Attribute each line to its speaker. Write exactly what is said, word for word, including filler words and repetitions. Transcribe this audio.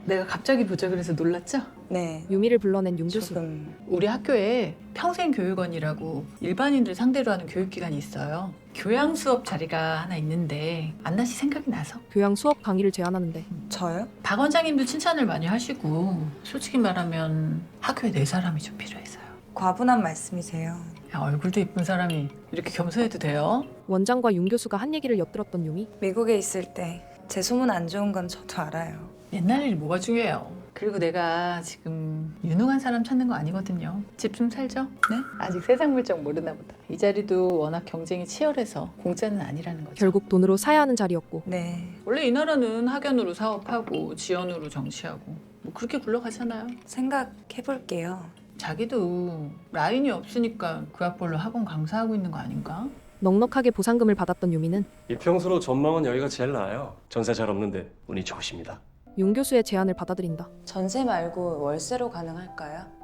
Speaker 1: 내가 갑자기 보자 그래서 놀랐죠?
Speaker 2: 네.
Speaker 3: 유미를 불러낸 윤 교수.
Speaker 2: 조금
Speaker 1: 우리 학교에 평생교육원이라고 일반인들 상대로 하는 교육기관이 있어요. 교양 수업 자리가 하나 있는데 안나 씨 생각이 나서
Speaker 3: 교양 수업 강의를 제안하는데
Speaker 2: 저요?
Speaker 1: 박 원장님도 칭찬을 많이 하시고 솔직히 말하면 학교에 내 사람이 좀 필요해서요.
Speaker 2: 과분한 말씀이세요.
Speaker 1: 야, 얼굴도 이쁜 사람이 이렇게 겸손해도 돼요?
Speaker 3: 원장과 윤 교수가 한 얘기를 엿들었던 유미.
Speaker 2: 미국에 있을 때 제 소문 안 좋은 건 저도 알아요.
Speaker 1: 옛날 일이 뭐가 중요해요. 그리고 내가 지금 유능한 사람 찾는 거 아니거든요. 집 좀 살죠? 네? 아직 세상 물정 모르나 보다. 이 자리도 워낙 경쟁이 치열해서 공짜는 아니라는 거죠.
Speaker 3: 결국 돈으로 사야 하는 자리였고
Speaker 2: 네.
Speaker 1: 원래 이 나라는 학연으로 사업하고 지연으로 정치하고 뭐 그렇게 굴러가잖아요.
Speaker 2: 생각해볼게요.
Speaker 1: 자기도 라인이 없으니까 그 학벌로 학원 강사하고 있는 거 아닌가?
Speaker 3: 넉넉하게 보상금을 받았던 유미는
Speaker 4: 이평수로 전망은 여기가 제일 나아요. 전세 잘 없는데 운이 좋으십니다.
Speaker 3: 윤 교수의 제안을 받아들인다.
Speaker 2: 전세 말고 월세로 가능할까요?